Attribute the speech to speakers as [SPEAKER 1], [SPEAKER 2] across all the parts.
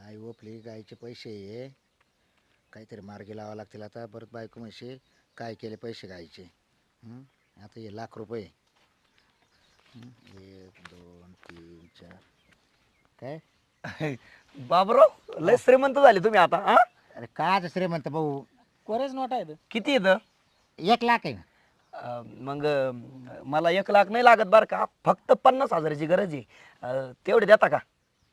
[SPEAKER 1] आई ओपली गायचे पैसे आहे. काहीतरी मार्गी लावा लागतील आता. परत बायको म्हशी काय केले पैसे गायचे. आता हे लाख रुपये. 1 2 3 4 काय
[SPEAKER 2] बाबराव लय श्रीमंत झाले तुम्ही आता हा?
[SPEAKER 1] अरे काय श्रीमंत भाऊ.
[SPEAKER 3] कोरेच नोट आहेत.
[SPEAKER 2] किती येतं
[SPEAKER 1] 1 लाख आहे ना.
[SPEAKER 2] मग मला 1 लाख नाही लागत बरं का, फक्त 50,000ची गरज आहे. तेवढे देता का?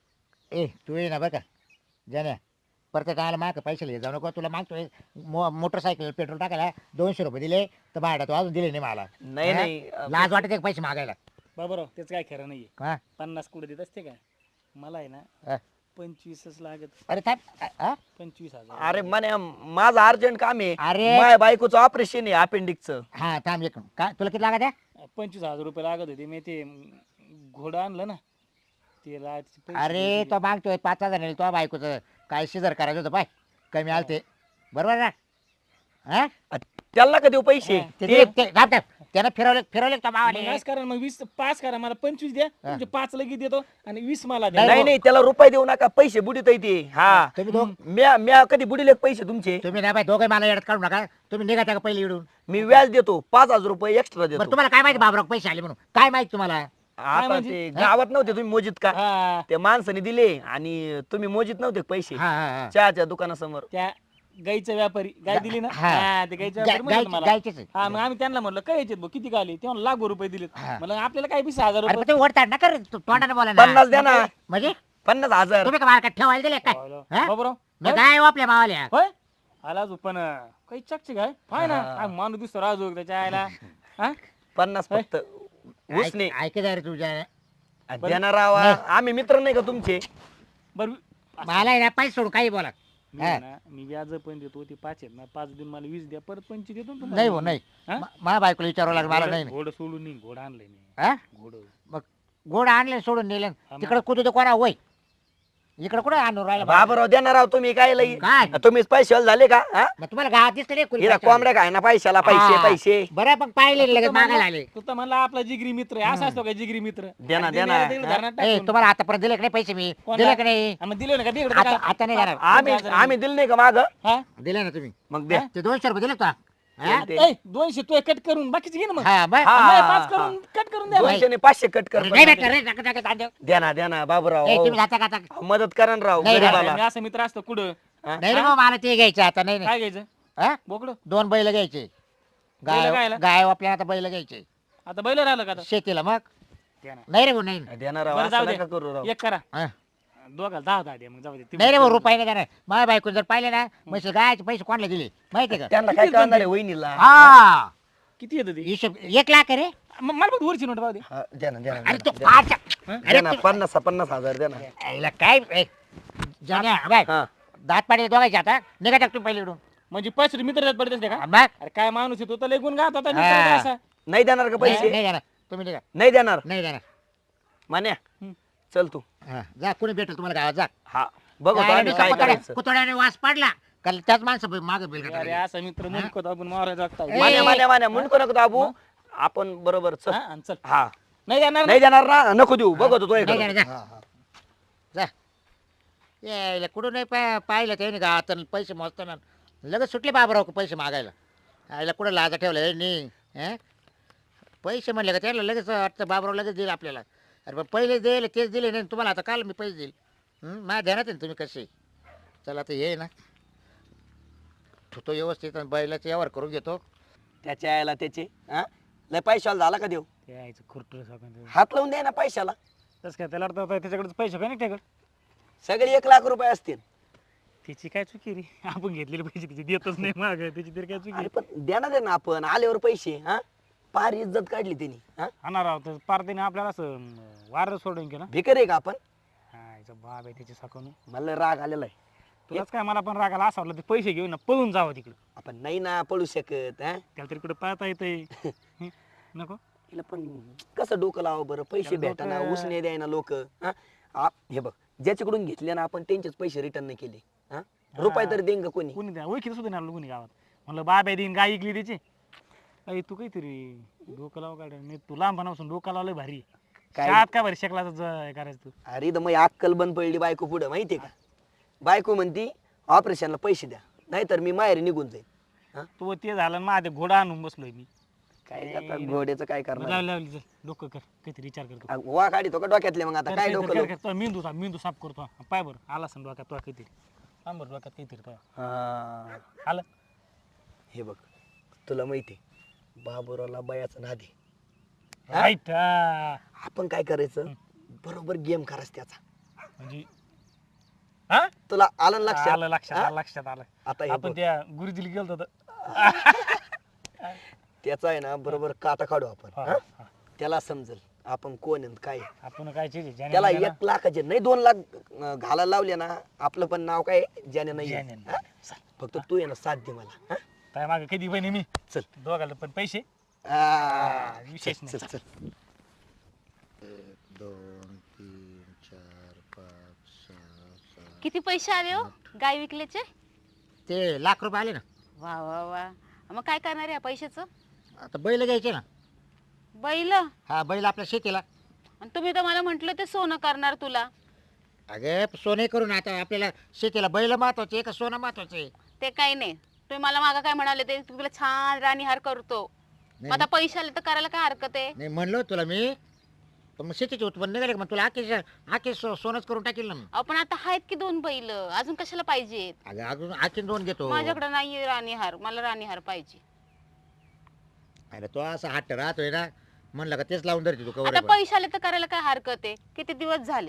[SPEAKER 1] ए तू ये ना बरं का जाण्या. प्रत्येक आला माग पैसे जाऊ नको. तुला मागतोय मोटरसायकल पेट्रोल टाकायला 200 रुपये दिले तर भाडा तो अजून दिले नाही मला.
[SPEAKER 2] नाही
[SPEAKER 1] हा?
[SPEAKER 2] नाही
[SPEAKER 1] लाज वाटते पैसे मागायला.
[SPEAKER 3] बाबराव त्याच काय खरं नाहीये.
[SPEAKER 1] हा
[SPEAKER 3] 50 कुठे देत असते काय. मला आहे ना
[SPEAKER 1] हा.
[SPEAKER 3] 25च लागत.
[SPEAKER 1] अरे थांब. हा?
[SPEAKER 3] 25,000.
[SPEAKER 2] अरे म्हणे माझं अर्जंट काम आहे.
[SPEAKER 1] अरे.
[SPEAKER 2] माझ्या बायकोचं ऑपरेशन आहे अपेंडिक्सचं.
[SPEAKER 1] हा थांब एक काय तुला किती लागत आहे.
[SPEAKER 3] 25,000 रुपये लागत होते. मी ते घोडं आणलं ना ते
[SPEAKER 1] अरे तो मागतोय 5,000 तो बायकोचं काय शिजर करायचं होतं पाय कमी आलं ते बरोबर ना. हा
[SPEAKER 2] त्याला का देऊ पैसे?
[SPEAKER 1] त्यानं फिरवले तो मावाने.
[SPEAKER 3] करा मग 20 5 करा. मला 25 द्या. तुमचे 5 लगेच देतो आणि 20 मला द्या.
[SPEAKER 2] नाही नाही त्याला रुपये देऊ नका, पैसे बुडीत ते. हा
[SPEAKER 1] तुम्ही दोघ
[SPEAKER 2] म्या कधी बुडीले पैसे तुमचे?
[SPEAKER 1] तुम्ही ना बाय दोघे मला येडत काढू नका. तुम्ही निघा का पहिले इडून.
[SPEAKER 2] मी व्याज देतो 5,000 रुपये एक्स्ट्रा
[SPEAKER 1] बरं
[SPEAKER 2] देतो.
[SPEAKER 1] तुम्हाला काय माहिती बाबराव पैसे आले म्हणून काय माहिती तुम्हाला.
[SPEAKER 2] आता
[SPEAKER 3] म्हणजे?
[SPEAKER 2] ते गावात नव्हते तुम्ही मोजित का?
[SPEAKER 3] हा
[SPEAKER 2] ते माणसाने दिले आणि तुम्ही मोजित नव्हते पैसे
[SPEAKER 1] हा हा
[SPEAKER 2] चहाच्या दुकानासमोर.
[SPEAKER 3] त्या गाईचा व्यापारी गाय दिली ना.
[SPEAKER 1] हा.
[SPEAKER 3] हा ते गाईचा व्यापारी म्हणत मला.
[SPEAKER 1] गायचेच आहे.
[SPEAKER 3] हा मग आम्ही त्यांना म्हणलं काय यायचे भाऊ किती आले. तेव्हा लाख रुपये दिलेत.
[SPEAKER 1] हा.
[SPEAKER 3] म्हणलं आपल्याला काय 20,000
[SPEAKER 1] अरे पण
[SPEAKER 3] रुपये.
[SPEAKER 1] तुम्ही ओढताड ना कर तोंडाने बोला ना.
[SPEAKER 2] 50 द्या ना.
[SPEAKER 1] म्हणजे
[SPEAKER 2] 50,000.
[SPEAKER 1] तुम्ही का मार्केट ठेवायला दिले काय. हा?
[SPEAKER 3] बाबराव
[SPEAKER 1] मग काय हो आपल्या मावाल्या.
[SPEAKER 3] होय आला अजून पण काही चकचे काय पाय ना काय माणूस दिसतो राजू त्याच्या आयला. हा
[SPEAKER 2] 50 फक्त उसने
[SPEAKER 1] ऐक रे तुझ्या
[SPEAKER 2] देणार रावा. आम्ही मित्र नाही का तुमचे?
[SPEAKER 3] बरं
[SPEAKER 1] मला आहे ना पैसे सोडून काही बोला.
[SPEAKER 3] मी आहे ना मी व्याज पण देतो ते 5 आहेत ना 5 दिन मला 20 द्या परत 25 देतो ना तुम्हाला.
[SPEAKER 1] नाही हो नाही.
[SPEAKER 3] हा?
[SPEAKER 1] माझ्या बायकोला विचारावं लागलं मला नाही.
[SPEAKER 3] घोडं सोडून नाही घोडं आणलंय मी.
[SPEAKER 1] हा
[SPEAKER 3] घोडं
[SPEAKER 1] मग गोड आणले सोडून नेले
[SPEAKER 3] मग.
[SPEAKER 1] तिकडे कुठे कोणा होय इकडे कुठे आणून राहिला
[SPEAKER 2] बाबराव देणार राव तुम्ही काय लई.
[SPEAKER 1] काय
[SPEAKER 2] तुम्हीच पैसे झाले का? हा?
[SPEAKER 1] मग तुम्हाला गावात दिसतं नाही कुणी
[SPEAKER 2] हिला
[SPEAKER 1] पैसे
[SPEAKER 2] कोंबड्या काय ना पैशाला पैसे
[SPEAKER 1] हा.
[SPEAKER 2] पैसे.
[SPEAKER 1] बरं मग पाहिले लगेच मागायला आले.
[SPEAKER 3] तू तर म्हणला आपला जिगरी मित्र आहे. असा असतो का जिगरी मित्र.
[SPEAKER 2] दे ना,
[SPEAKER 3] आणि
[SPEAKER 2] दे ना.
[SPEAKER 3] दिले तिकडे धरणात
[SPEAKER 1] ए
[SPEAKER 3] टाकून.
[SPEAKER 1] तुम्हाला आतापर्यंत दिले की नाही पैसे मी
[SPEAKER 3] कोणाला?
[SPEAKER 1] दिले की नाही
[SPEAKER 3] हा, मग दिले ना का दे इकडे
[SPEAKER 1] आता
[SPEAKER 3] काय?
[SPEAKER 1] आता नाही जाणार.
[SPEAKER 2] आम्ही दिले नाही का माग?
[SPEAKER 3] हा
[SPEAKER 1] दिले ना तुम्ही
[SPEAKER 2] मग दे.
[SPEAKER 1] ते 200 रुपये दिले का हा?
[SPEAKER 2] ते.
[SPEAKER 3] ए, 200 तू कट करून बाकीचे घे ना मग.
[SPEAKER 1] हा बरं.
[SPEAKER 2] हा.
[SPEAKER 3] आम्हाला 5 करून कट करून द्या.
[SPEAKER 2] 200 ने 500 कट कर.
[SPEAKER 1] नाही भेटलं रे टाका टाका तांदूळ.
[SPEAKER 2] द्या ना बाबूराव.
[SPEAKER 1] ए
[SPEAKER 2] हो.
[SPEAKER 1] तुम्ही जाता का आता?
[SPEAKER 2] मदत करा ना राव
[SPEAKER 1] नाही,
[SPEAKER 2] गरीबाला.
[SPEAKER 3] मी असं मित्र असतो कुठं
[SPEAKER 2] हा?
[SPEAKER 1] नाही रे भाऊ, मला ते घ्यायचं आता नाही नाही
[SPEAKER 3] काय घ्यायचं
[SPEAKER 1] हा?
[SPEAKER 3] बोकडं
[SPEAKER 1] 2 बैल घ्यायचे.
[SPEAKER 3] बैलं गायला?
[SPEAKER 1] गाय आपल्याला आता बैल घ्यायचे
[SPEAKER 3] आता बैल राहिलं का आता
[SPEAKER 1] शेतीला मग
[SPEAKER 3] द्या ना.
[SPEAKER 1] नाही रे भाऊ नाही
[SPEAKER 2] देणार राव
[SPEAKER 3] बरं,
[SPEAKER 2] असं
[SPEAKER 3] जाऊ दे.
[SPEAKER 2] नका करू राव.
[SPEAKER 3] एक करा
[SPEAKER 1] हा.
[SPEAKER 3] दोघाला 10 द्या मग जाऊ दे.
[SPEAKER 1] नाही रे भाऊ रुपये नाही देणार. माझ्या बायकोने जर पाहिले ना म्हणजे गायचे पैसे कोणाला दिले माहितीये का.
[SPEAKER 2] त्यांना काय कळणार आहे वहिनीला?
[SPEAKER 1] हा
[SPEAKER 3] किती येतं ते
[SPEAKER 1] हिशोब 1 लाख आहे रे.
[SPEAKER 3] मला फक्त वरची नोट पाहू दे.
[SPEAKER 2] हा, द्या ना
[SPEAKER 1] अरे तू
[SPEAKER 2] द्या ना.
[SPEAKER 1] अच्छा.
[SPEAKER 2] द्या ना 50,000 द्या ना.
[SPEAKER 1] याला काय ए, जाण्या बाय
[SPEAKER 2] हा.
[SPEAKER 1] दात पाडे दोघायचे आता निघा टाक तुम्ही पहिले इकडून.
[SPEAKER 3] म्हणजे 5 मित्र पडत असते का.
[SPEAKER 1] बघ
[SPEAKER 3] अरे काय माणूस आहे तो तर लेगून गात होता
[SPEAKER 1] हा.
[SPEAKER 3] मित्र आहे असा.
[SPEAKER 2] नाही देणार का पैसे?
[SPEAKER 1] नाही देणार तुम्ही निघा.
[SPEAKER 2] नाही देणार.
[SPEAKER 1] नाही देणार.
[SPEAKER 2] मान्या
[SPEAKER 3] हम्म.
[SPEAKER 2] चल तू.
[SPEAKER 1] हा, जा कोणी भेटेल तुम्हाला गावात जा.
[SPEAKER 2] हा बघू आम्ही काय करायचं.
[SPEAKER 1] कुतड्याने वास पाडला का त्याच माणसं मागे बिल
[SPEAKER 3] अरे
[SPEAKER 1] काढायला.
[SPEAKER 3] असा मित्र मुलकत आपण मारायला जागता.
[SPEAKER 1] ए,
[SPEAKER 2] मान्या म्हणतो नको बाबू. आपण बरोबर चल.
[SPEAKER 3] हा, आणि चल
[SPEAKER 2] हा
[SPEAKER 3] नाही जाणार
[SPEAKER 2] नाही देणार ना नको देऊ. बघतो तो
[SPEAKER 1] नाही
[SPEAKER 2] इकडे.
[SPEAKER 1] देणार, जा. जा यायला कुठं नाही पाहिलं ते गावात आणि पैसे मोजताना लगेच सुटले बाबराव पैसे मागायला. आईला कुठं लाजा ठेवलं नाही. पैसे म्हणले का त्याला लगेच वाटतं बाबराव लगेच देईल आपल्याला. अरे पण पहिले दिले तेच दिले नाही तुम्हाला आता काल मी पैसे देईल. माझ्या ध्यानात आहे ना तुम्ही कसे. चला आता ये ना ठेवतो व्यवस्थित आणि बैलाचा व्यवहार करून घेतो.
[SPEAKER 2] त्याच्या यायला त्याचे हा लय पैशाला झाला का देऊ?
[SPEAKER 3] ते यायचं खुरटूर सगळं.
[SPEAKER 2] हात लावून दे ना पैशाला.
[SPEAKER 3] तसं काय त्याला वाटतं त्याच्याकडे पैसे काय नाही ठेकत.
[SPEAKER 2] सगळे 1 लाख रुपये असतील.
[SPEAKER 3] तिची काय चुकी रे. आपण घेतलेले पैसे तिची देतच नाही माग त्याची तरी काय चुकी.
[SPEAKER 2] अरे पण देणार ना आपण आल्यावर पैसे. हा फार इज्जत काढली त्यांनी. हा
[SPEAKER 3] हाणार आहोत तर पार त्याने आपल्याला असं वार सोडून केलं.
[SPEAKER 2] भिकर आहे का आपण?
[SPEAKER 3] हा याचा बाप आहे त्याची साकून.
[SPEAKER 2] मला लय राग आलेला आहे.
[SPEAKER 3] तुलाच काय मला पण रागाला असा वाटलं ते पैसे घेऊन ना पळून जावं तिकडं.
[SPEAKER 2] आपण नाही ना पळू शकत. हा
[SPEAKER 3] त्याला तरी कुठं पाहता येतंय. नको
[SPEAKER 2] तिला पण कसं डोकं लावा बरं. पैसे
[SPEAKER 3] त्याला
[SPEAKER 2] भेटाना
[SPEAKER 3] डोकं-
[SPEAKER 2] उसने द्यायना लोक. हे बघ ज्याच्याकडून घेतले ना आपण त्यांचेच पैसे रिटर्न नाही केले. हा रुपये तरी देईन का कोणी?
[SPEAKER 3] कोणी द्या ओळखीचं सुद्धा नाही कोणी गावात. म्हणलं बाप आहे देईन गाय ऐकली त्याची. अरे तू काहीतरी डोकं लाव काढ. मी तू लहानपणापासून डोकं लावलंय भारी.
[SPEAKER 2] काय?
[SPEAKER 3] शाळेत काय भारी शिकला करायचं तू.
[SPEAKER 2] अरे तर मग अक्कल बंद पडली बायको पुढे माहितीये का. बायको म्हणती ऑपरेशनला पैसे द्या नाहीतर मी माहेरी निघून जाईल.
[SPEAKER 3] तू ते झालं ना माझ्या घोडा आणून बसलोय मी.
[SPEAKER 2] काय आता घोड्याचं काय करणार?
[SPEAKER 3] लावली डोकं कर काहीतरी विचार करतो.
[SPEAKER 2] वा काढितो का डोक्यातले मग आता काय डोकं लावू?
[SPEAKER 3] मेंदू साफ करतो. पाय बरं आला सण डोक्यात तो काहीतरी बरं डोक्यात काहीतरी तो
[SPEAKER 2] हा,
[SPEAKER 3] आलं.
[SPEAKER 2] हे बघ तुला माहिती बाबुरावला बायाचं नादी.
[SPEAKER 3] राईट.
[SPEAKER 2] आपण काय करायचं बरोबर गेम करायचं त्याचा.
[SPEAKER 3] म्हणजे हा
[SPEAKER 2] तुला आलं ना लक्षात?
[SPEAKER 3] आलं लक्षात
[SPEAKER 2] हा?
[SPEAKER 3] आलं लक्षात आलं.
[SPEAKER 2] आता हे
[SPEAKER 3] आपण
[SPEAKER 2] बघ,
[SPEAKER 3] त्या गुरुजीला गेलो होतो.
[SPEAKER 2] त्याचा आहे ना बरोबर काटा काढू आपण.
[SPEAKER 3] हा,
[SPEAKER 2] हा?
[SPEAKER 3] हा.
[SPEAKER 2] त्याला समजेल आपण कोण आहे काय आहे.
[SPEAKER 3] आपण काय चीज आहे? ज्याने
[SPEAKER 2] त्याला
[SPEAKER 3] दिला
[SPEAKER 2] 1 लाखाचे नाही 2 लाख घालायला लावले ना आपलं पण नाव काय ज्याने
[SPEAKER 3] ना,
[SPEAKER 2] नाही
[SPEAKER 3] ज्याने
[SPEAKER 2] आहे.
[SPEAKER 3] नाही.
[SPEAKER 2] हा? फक्त तू आहे ना साथ दे मला. हा?
[SPEAKER 3] काय मागे कधी बहिणी मी
[SPEAKER 2] चल.
[SPEAKER 3] दोघाला पण पैसे
[SPEAKER 2] आ,
[SPEAKER 3] विशेष
[SPEAKER 2] चल,
[SPEAKER 3] नाही.
[SPEAKER 2] चल, चल.
[SPEAKER 1] 1 2 3 4 5 6 7
[SPEAKER 4] किती पैसे आले हो गाय विकल्याचे?
[SPEAKER 1] ते ₹1,00,000 आले ना.
[SPEAKER 4] वा वा वा. मग काय करणार आहे पैशाचं?
[SPEAKER 1] आता बैल घ्यायचे ना.
[SPEAKER 4] बैल?
[SPEAKER 1] हा बैल आपल्या शेतीला.
[SPEAKER 4] आणि तुम्ही तर मला म्हंटल ते सोनं करणार तुला.
[SPEAKER 1] अगे सोने करून आता आपल्याला शेतीला बैल महत्वाचे का सोनं महत्वाचे?
[SPEAKER 4] ते काही नाही. तुम्ही मला मागं काय म्हणाले ते तुला छान राणीहार करतो. मग आता पैसे आले तर करायला काय हरकत आहे?
[SPEAKER 1] नाही म्हणलो तुला मी. पण मग शेतीचे उत्पन्न निघाले का मग तुला आखे सोनच करून टाकील ना.
[SPEAKER 4] आपण आता आहेत की 2 बैल, अजून कशाला पाहिजेत?
[SPEAKER 1] अगं अजून आखीन 2 घेतो.
[SPEAKER 4] माझ्याकडे नाहीये राणीहार, मला राणीहार पाहिजे.
[SPEAKER 1] अरे तो असा हट्ट राहतोय ना म्हणलं का तेच लावून धरते तू कवर.
[SPEAKER 4] आता पैसे आले तर करायला काय हरकत आहे? किती दिवस झाले?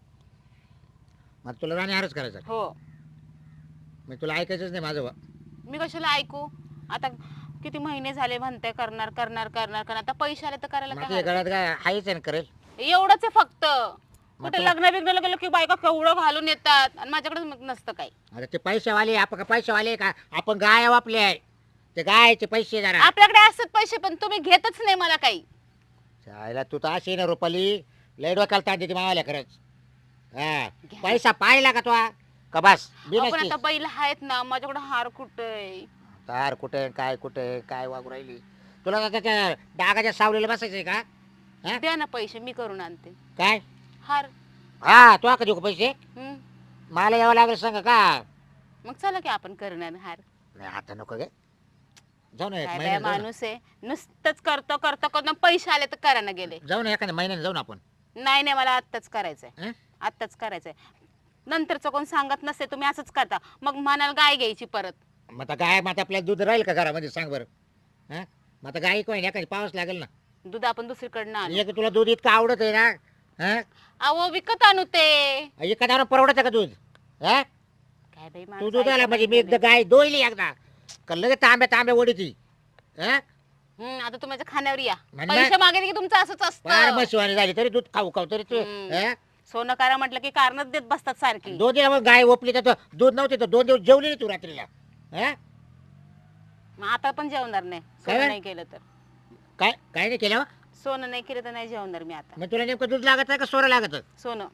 [SPEAKER 1] मग तुला राणी हारच करायचा.
[SPEAKER 4] हो.
[SPEAKER 1] मग तुला ऐकायचंच नाही माझं.
[SPEAKER 4] मी कशाला ऐकू? आता किती महिने झाले म्हणते करणार करणार करणार करणार. आता पैसे आले तर करायला काय
[SPEAKER 1] मग
[SPEAKER 4] हरकत?
[SPEAKER 1] गळ्यात काय आहेच आहे ना करेल.
[SPEAKER 4] एवढंच आहे फक्त. कुठे
[SPEAKER 1] तुला-
[SPEAKER 4] लग्न बिग्नाला गेलो की बायका केवढं घालून येतात आणि माझ्याकडे मग नसतं काही.
[SPEAKER 1] आता ते पैसेवाले आपण का पैसेवाले का आपण गाय वापले आहे. ते गायचे पैसे जरा
[SPEAKER 4] आपल्याकडे असतात पैसे पण तुम्ही घेतच नाही मला काही.
[SPEAKER 1] चायला तू तर अशी ना रुपाली लय डोक्याला ताण देते मावाल्या खरंच. हा
[SPEAKER 4] घ्या.
[SPEAKER 1] पैसा पाहिला का तो का बस
[SPEAKER 4] आपण आता बैल आहेत ना, माझ्याकडे हार कुठे?
[SPEAKER 1] तार कुठे काय वागू राहिली. तुला आता त्याच्या डागाच्या सावलीला बसायचंय का? हा?
[SPEAKER 4] द्या ना पैसे, मी करून आणते
[SPEAKER 1] काय
[SPEAKER 4] हार.
[SPEAKER 1] हा तू का देऊ का पैसे?
[SPEAKER 4] हम्म.
[SPEAKER 1] मला यावं लागेल सांग का?
[SPEAKER 4] मग चला की आपण करणार हार.
[SPEAKER 1] नाही आता नको गे. जाऊ ना एक
[SPEAKER 4] काय बाया
[SPEAKER 1] महिन्यात जाऊ ना.
[SPEAKER 4] माणूस आहे, नुसतंच करतो करतो करतो पैसे आले तर करायला गेले.
[SPEAKER 1] जाऊ ना एखाद्या महिन्याने जाऊ ना आपण.
[SPEAKER 4] नाही नाही, मला आत्ताच करायचंय.
[SPEAKER 1] हं?
[SPEAKER 4] आत्ताच करायचंय. नंतरचं कोण सांगत नसते, तुम्ही असंच करता. मग म्हणाल गाय घ्यायची परत.
[SPEAKER 1] मग आता गाय मग आता आपल्याला दूध राहील का घरामध्ये सांग बरं. हा मग आता गाय कोण एखादी पावस लागेल ना.
[SPEAKER 4] दूध आपण दुसरीकडनं आणू.
[SPEAKER 1] एक तुला दूध इतकं आवडत आहे ना. हा
[SPEAKER 4] अहो विकत आणू ते.
[SPEAKER 1] एखाद्यावर परवडत का दूध? हा
[SPEAKER 4] काय बाई
[SPEAKER 1] तू
[SPEAKER 4] माणूस
[SPEAKER 1] दूध आला
[SPEAKER 4] ऐका
[SPEAKER 1] म्हणजे मी
[SPEAKER 4] नाही
[SPEAKER 1] एकदा गाय दोयली एकदा का लगेच तांब्या ओढी ती. हा
[SPEAKER 4] आता तुमच्या खाण्यावर या.
[SPEAKER 1] म्हण
[SPEAKER 4] पैसे
[SPEAKER 1] ना.
[SPEAKER 4] मागे की तुमचं असंच
[SPEAKER 1] फार
[SPEAKER 4] असतं.
[SPEAKER 1] मशिवानी झाली तरी दूध खाऊ तरी तू हा?
[SPEAKER 4] सोनं करा म्हटलं की कारणच देत बसतात सारखी.
[SPEAKER 1] 2 दिवस मग गाय ओपली तर दूध नव्हते तर 2 दिवस जेवली नाही तू रात्रीला. हा
[SPEAKER 4] मग आता पण जेवणार नाही
[SPEAKER 1] काय?
[SPEAKER 4] सोनं नाही केलं तर.
[SPEAKER 1] काय काय नाही केलं?
[SPEAKER 4] सोनं नाही केलं तर नाही जेवणार मी आता.
[SPEAKER 1] मग तुला नेमकं दूध लागत आहे का सोनं लागत?
[SPEAKER 4] सोनं.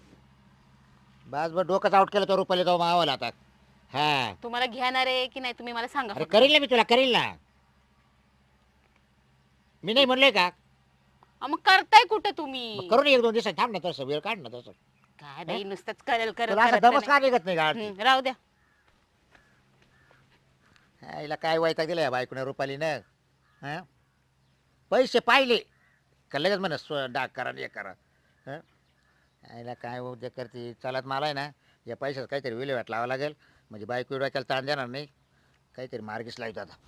[SPEAKER 1] बस बस डोकंच आउट केलं तर रुपयाला जाऊ मावाला आता. हा
[SPEAKER 4] तुम्हाला घेणार आहे की नाही तुम्ही मला सांगा
[SPEAKER 1] अरे
[SPEAKER 4] फक्त.
[SPEAKER 1] करील ना मी तुला करील ना. मी नाही म्हणलोय का?
[SPEAKER 4] मग करताय कुठे तुम्ही?
[SPEAKER 1] मग करून 1-2 दिवसात थांब ना तसं वेळ काढ ना तसं.
[SPEAKER 4] काय बाई नुसतंच करेल करत
[SPEAKER 1] तुला असं
[SPEAKER 4] करत
[SPEAKER 1] दमच
[SPEAKER 4] नाही.
[SPEAKER 1] का निघत नाही गाडी?
[SPEAKER 4] राहू द्या.
[SPEAKER 1] हिला काय वैताग दिला या बायकोने रुपालीनं. हा पैसे पाहिले का लगेच म्हणा डाग करा हे करा. हं? हिला काय उद्या करते चालत मला आहे ना या पैशाचं काहीतरी विल्हेवाट लावावं लागेल म्हणजे बायको डोक्याला ताण देणार नाही. काहीतरी मार्गीच लावतो आता.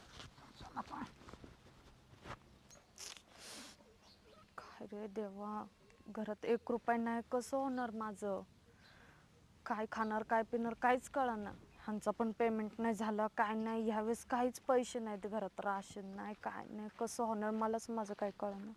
[SPEAKER 5] अरे देवा, घरात 1 रुपया नाही, कसं होणार माझं? काय खाणार काय पिणार काहीच कळणार. ह्यांचा पण पेमेंट नाही झालं, काय नाही. ह्यावेळेस काहीच पैसे नाहीत घरात, राशन नाही काय नाही, कसं होणार मलाच माझं काय कळणार.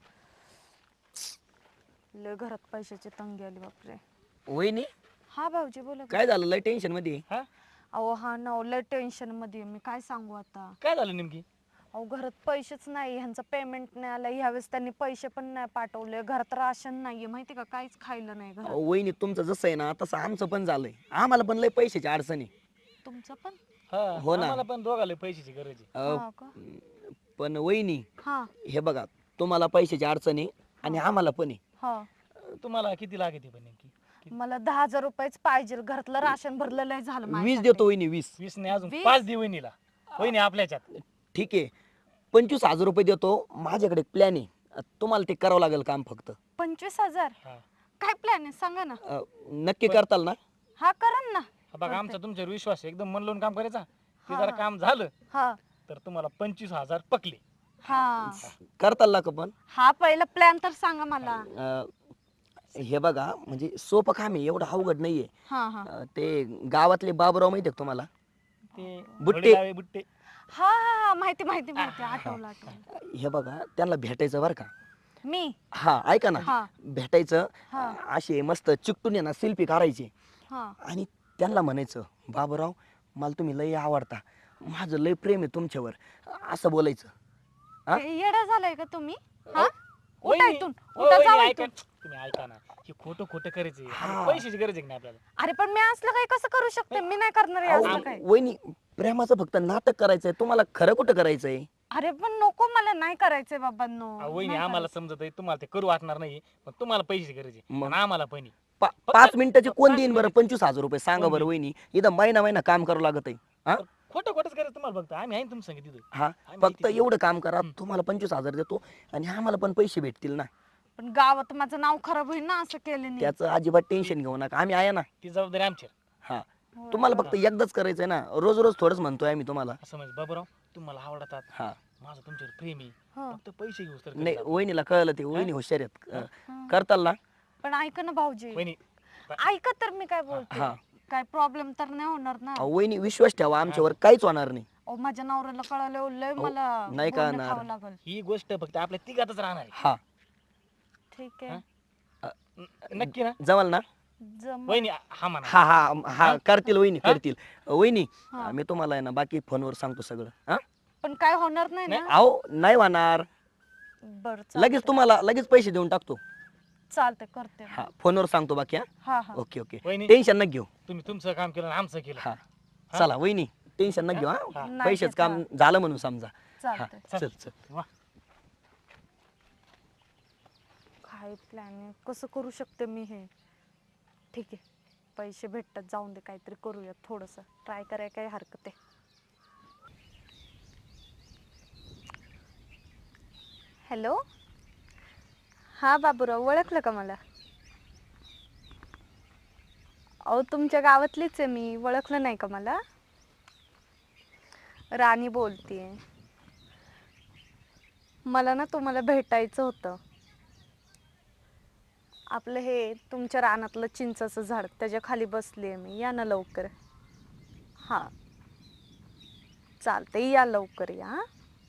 [SPEAKER 5] लय घरात पैशाची तंगी आली बापरे.
[SPEAKER 2] वहिनी
[SPEAKER 5] हा भाऊजी बोला.
[SPEAKER 2] काय झालं लय टेन्शन मध्ये?
[SPEAKER 3] हा
[SPEAKER 5] अहो हा ना, लय टेन्शन मध्ये आहे मी, काय सांगू आता.
[SPEAKER 3] काय झालं नेमकी?
[SPEAKER 5] अहो घरात पैसेच नाही, ह्यांचा पेमेंट नाही आला ह्यावेळेस, त्यांनी पैसे पण नाही पाठवले, घरात राशन नाहीये माहिती का, काहीच खायला नाही घरात.
[SPEAKER 2] वहिनी तुमचं जसं आहे ना तसं आमचं पण झालंय. आम्हाला पण लय पैशाची अडचणी.
[SPEAKER 5] तुमचं पण?
[SPEAKER 2] हो ना.
[SPEAKER 3] मला पण दोघाला पैशाची गरज आहे.
[SPEAKER 5] हा का?
[SPEAKER 2] पण वहिनी
[SPEAKER 5] हा
[SPEAKER 2] हे बघा तुम्हाला पैशाची अडचण आहे आणि आम्हाला पण आहे.
[SPEAKER 5] हा.
[SPEAKER 3] तुम्हाला किती लागते पण नेमकी?
[SPEAKER 5] मला 10,000 रुपयेच पाहिजे. घरातलं राशन भरलेलं आहे झालं
[SPEAKER 2] 20
[SPEAKER 5] माझ्यासाठी.
[SPEAKER 2] देतो वहिनी 20.
[SPEAKER 3] 20 नाही अजून
[SPEAKER 5] 20?
[SPEAKER 3] 5 दे वहिनीला. वहिनी आपल्याच्यात.
[SPEAKER 2] ठीक आहे 25,000 रुपये देतो. माझ्याकडे प्लॅन आहे, तुम्हाला ते करावं लागेल काम फक्त.
[SPEAKER 5] 25,000
[SPEAKER 3] हा.
[SPEAKER 5] काय प्लॅन आहे सांगा ना.
[SPEAKER 2] नक्की करताल ना?
[SPEAKER 5] हा करण ना.
[SPEAKER 3] हा बघा आमचा तुमच्यावर विश्वास आहे, एकदम मन लावून काम करायचा. ते
[SPEAKER 5] हा,
[SPEAKER 3] जर
[SPEAKER 5] हा.
[SPEAKER 3] काम झालं
[SPEAKER 5] हा
[SPEAKER 3] तर तुम्हाला 25,000 पकले.
[SPEAKER 5] हा
[SPEAKER 2] करताल ना का पण?
[SPEAKER 5] हा पहिला प्लॅन तर सांगा मला.
[SPEAKER 2] हे बघा म्हणजे सोपं काम आहे, एवढं अवघड नाहीये.
[SPEAKER 5] हा हा
[SPEAKER 2] ते गावातले बाबूराव माहिती आहे का तुम्हाला?
[SPEAKER 3] ते
[SPEAKER 2] बुट्टे.
[SPEAKER 3] वडील बुट्टे.
[SPEAKER 5] हा हा माहिती माहिती माहिती आठवलं आठवलं.
[SPEAKER 2] हे बघा त्यांना भेटायचं बरं का.
[SPEAKER 5] मी
[SPEAKER 2] हा ऐका ना,
[SPEAKER 5] हा
[SPEAKER 2] भेटायचं,
[SPEAKER 5] हा
[SPEAKER 2] असे मस्त चिकटून आहे ना सेल्फी काढायची
[SPEAKER 5] हा
[SPEAKER 2] आणि त्यांना म्हणायचं बाबूराव मला तुम्ही लय आवडता, माझं लय प्रेम आहे तुमच्यावर, असं बोलायचं. हा?
[SPEAKER 5] येडा झालाय का तुम्ही? हा उठा
[SPEAKER 3] वहिनी,
[SPEAKER 5] इथून,
[SPEAKER 3] ओ
[SPEAKER 5] उठा
[SPEAKER 3] वहिनी,
[SPEAKER 5] जाऊ
[SPEAKER 3] ऐका.
[SPEAKER 5] इथून.
[SPEAKER 3] तुम्ही ऐका ना, हे खोटं खोटं करायचे.
[SPEAKER 2] हा.
[SPEAKER 3] पैशाची गरज आहे की नाही आपल्याला?
[SPEAKER 5] अरे पण मी असलं काही कसं करू शकते? मी नाही करणार हे
[SPEAKER 2] अहो,
[SPEAKER 5] असलं काय.
[SPEAKER 2] वहिनी प्रेमाचं फक्त नाटक करायचंय, तुम्हाला खरं कुठं करायचंय?
[SPEAKER 5] अरे पण नको, मला नाही करायचंय बाबांनो.
[SPEAKER 3] अहो, वहिनी
[SPEAKER 5] नाही
[SPEAKER 3] आम्हाला
[SPEAKER 5] करायचं.
[SPEAKER 3] समजत आहे, तुम्हाला ते करू वाटणार नाही, पण तुम्हाला पैशाची गरज आहे
[SPEAKER 2] मग?
[SPEAKER 3] आणि आम्हाला पण आहे.
[SPEAKER 2] 5 मिनिटाचे कोण
[SPEAKER 3] पाच
[SPEAKER 2] देईन बरं
[SPEAKER 3] मिनिटं.
[SPEAKER 2] 25,000 रुपये सांगा
[SPEAKER 3] कोण
[SPEAKER 2] बरं
[SPEAKER 3] देईन?
[SPEAKER 2] वहिनी? इथं महिना महिना काम करावं लागत आहे. हा
[SPEAKER 3] तर खोटं खोटंच करायचं तुम्हाला, फक्त आम्ही आहे ना तुमच्या संगीत तिथं.
[SPEAKER 2] हा
[SPEAKER 3] आम्ही
[SPEAKER 2] फक्त
[SPEAKER 3] तिथे-
[SPEAKER 2] एवढं काम करा, तुम्हाला 25,000 देतो आणि आम्हाला पण पैसे भेटतील ना.
[SPEAKER 5] पण गावात माझं नाव खराब होईल ना असं केलं
[SPEAKER 2] त्याचं अजिबात टेन्शन घेऊ नका, आम्ही आहे ना.
[SPEAKER 3] ती जबाबदारी आमची आहे.
[SPEAKER 2] हा तुम्हाला फक्त एकदाच करायचंय ना, रोज रोज थोडंच म्हणतोय आम्ही तुम्हाला.
[SPEAKER 3] असं म्हणजे बाबूराव तुम्हाला आवडतात,
[SPEAKER 2] हा
[SPEAKER 3] माझं तुमच्यावर प्रेम आहे,
[SPEAKER 5] हा.
[SPEAKER 3] फक्त पैसे घेऊस तर
[SPEAKER 2] नाही
[SPEAKER 3] करा.
[SPEAKER 2] वहिनीला कळलं, ते वहिनी हुशार आहेत. करताल ना?
[SPEAKER 5] पण ऐका ना भाऊजी,
[SPEAKER 3] वहिनी
[SPEAKER 5] ऐका तर मी काय बोलते.
[SPEAKER 2] हा.
[SPEAKER 5] काय प्रॉब्लेम तर नाही होणार ना?
[SPEAKER 2] अहो, वहिनी विश्वास ठेवा, आमच्यावर काहीच होणार नाही.
[SPEAKER 5] अहो माझ्या नवऱ्याला कळालं लय मला
[SPEAKER 2] नाही
[SPEAKER 5] बोलणं
[SPEAKER 2] कळणार.
[SPEAKER 5] खावं लागल.
[SPEAKER 3] ही गोष्ट फक्त आपल्या तिघातच राहणार आहे.
[SPEAKER 2] हा
[SPEAKER 5] ठीक आहे
[SPEAKER 3] नक्की ना
[SPEAKER 2] जमाल ना?
[SPEAKER 5] जम
[SPEAKER 3] वहिनी? हा म्हणा.
[SPEAKER 2] हा हा हा करतील वहिनी, करतील. वहिनी
[SPEAKER 5] हा.
[SPEAKER 2] मी तुम्हाला आहे ना बाकी फोनवर सांगतो सगळं. हा
[SPEAKER 5] पण काय होणार नाही ना?
[SPEAKER 2] अहो नाही होणार,
[SPEAKER 5] बरं
[SPEAKER 2] लगेच तुम्हाला लगेच पैसे देऊन टाकतो.
[SPEAKER 5] चालतंय करते.
[SPEAKER 2] हा फोनवर सांगतो बाकी. हा
[SPEAKER 5] हा हा
[SPEAKER 2] ओके ओके,
[SPEAKER 3] वहिनी
[SPEAKER 2] टेन्शन नका घेऊ.
[SPEAKER 3] तुम्ही तुमचं काम केलं आणि आमचं केलं.
[SPEAKER 2] हा चला वहिनी, टेन्शन नका घेऊ. हा
[SPEAKER 3] हा.
[SPEAKER 5] नाही
[SPEAKER 2] पैशाचं
[SPEAKER 5] घेत,
[SPEAKER 2] काम झालं म्हणून समजा. हा
[SPEAKER 5] चालतंय.
[SPEAKER 2] चल चल.
[SPEAKER 3] वा.
[SPEAKER 5] काय प्लॅन आहे, कसं करू शकते मी हे? ठीक आहे पैसे भेटतात, जाऊन दे, काहीतरी करूया, थोडंसं ट्राय करायला काही हरकत आहे. हॅलो, हा बाबूराव, ओळखलं का मला? अहो तुमच्या गावातलीच आहे मी, ओळखलं नाही का मला? राणी बोलतीये. मला ना तुम्हाला भेटायचं होतं. आपलं हे तुमच्या रानातलं चिंचाचं झाड, त्याच्या खाली बसली आहे मी, या ना लवकर. हां चालतंय, या लवकर या. हां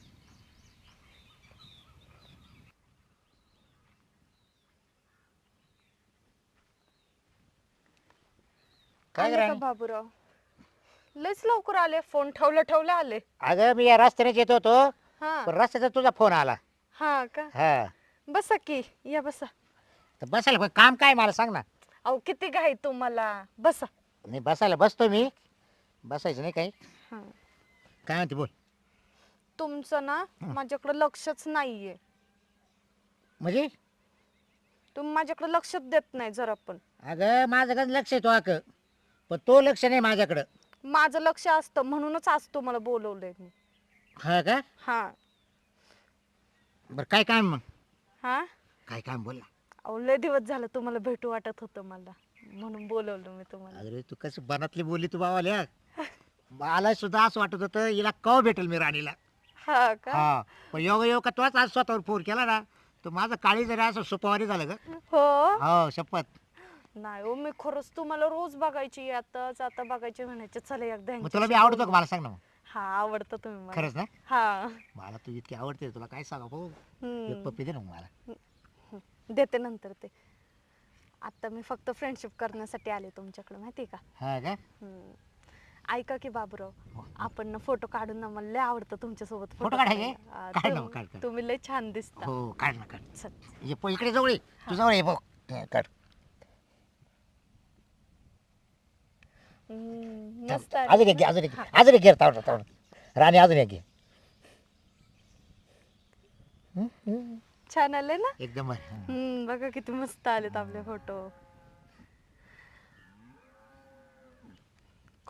[SPEAKER 1] काय
[SPEAKER 5] आले का
[SPEAKER 1] राणी?
[SPEAKER 5] बाबूराव? लयच लवकर आले, फोन ठेवलं आले.
[SPEAKER 1] अगं मी या रस्त्यानेच येत होतो,
[SPEAKER 5] हा
[SPEAKER 1] पण रस्त्याचा तुझा फोन आला.
[SPEAKER 5] हा का?
[SPEAKER 1] हा
[SPEAKER 5] बसा की, या बसा.
[SPEAKER 1] तर बसायला पण काम काय मला सांग ना.
[SPEAKER 5] अहो किती घाई तुम्हाला, बसा.
[SPEAKER 1] नाही बसायला बसतो मी, बसायचं नाही काही.
[SPEAKER 5] हा.
[SPEAKER 1] काय म्हणते बोल.
[SPEAKER 5] तुमचं ना माझ्याकडे लक्षच नाहीये.
[SPEAKER 1] म्हणजे
[SPEAKER 5] तुम्ही माझ्याकडे लक्षच देत नाही जरा पण.
[SPEAKER 1] अगं माझं कसं लक्ष आहे तो पण तो लक्ष नाही माझ्याकडं.
[SPEAKER 5] माझं लक्ष असतं म्हणूनच आज तुम्हाला बोलवलंय मी.
[SPEAKER 1] हा का?
[SPEAKER 5] हा
[SPEAKER 1] बरं काय काम मग?
[SPEAKER 5] हा
[SPEAKER 1] काय काम बोल ना.
[SPEAKER 5] अहो लय दिवस झालं तुम्हाला भेटू वाटत होतं मला, म्हणून बोलवलं मी तुम्हाला.
[SPEAKER 1] अरे तू कसं बनातली बोलली तू बाबाल्या. मला सुद्धा असं वाटत होतं हिला कवा भेटेल मी राणीला.
[SPEAKER 5] हा का?
[SPEAKER 1] हा पण योग का तोच आज स्वतःवर फोन केला ना, तर माझं काळी जरी असं सुपावारी झालं ग.
[SPEAKER 5] हो
[SPEAKER 1] हो शपथ.
[SPEAKER 5] नाही हो, मी खरंच तुम्हाला रोज बघायची, आता बघायची म्हणायचे, चला एकदा
[SPEAKER 1] मग
[SPEAKER 5] यांच्याशी
[SPEAKER 1] तुला मी आवडतो का
[SPEAKER 5] बोलू.
[SPEAKER 1] मला सांग ना मग.
[SPEAKER 5] हा आवडतं तुम्ही मला.
[SPEAKER 1] खरंच ना?
[SPEAKER 5] हा
[SPEAKER 1] मला तू इतकी आवडते, तुला काय सांगा भाऊ.
[SPEAKER 5] हम्म.
[SPEAKER 1] एक पप्पी दे ना मग मला.
[SPEAKER 5] देते नंतर ते. आता मी फक्त फ्रेंडशिप करण्यासाठी आले तुमच्याकडे, माहिती का?
[SPEAKER 1] हा का?
[SPEAKER 5] हम्म. ऐका की बाबूराव, आपण ना फोटो काढून ना, मला लय आवडतं तुमच्यासोबत
[SPEAKER 1] फोटो काढायचे?
[SPEAKER 5] काढायला.
[SPEAKER 1] काढ ना मग, काढ, काढ.
[SPEAKER 5] तुम्ही लय छान दिसता.
[SPEAKER 1] हो काढ ना काढ.
[SPEAKER 5] चल.
[SPEAKER 1] ये इकडे जवळ ये. तू जवळ ये भाऊ. काढ.
[SPEAKER 5] मस्त आहे.
[SPEAKER 1] अजून एक घे, अजून एक घे तावड. राणी अजून एक घे.
[SPEAKER 5] छान आले ना?
[SPEAKER 1] एकदम
[SPEAKER 5] बघा किती मस्त आलेत आपले फोटो.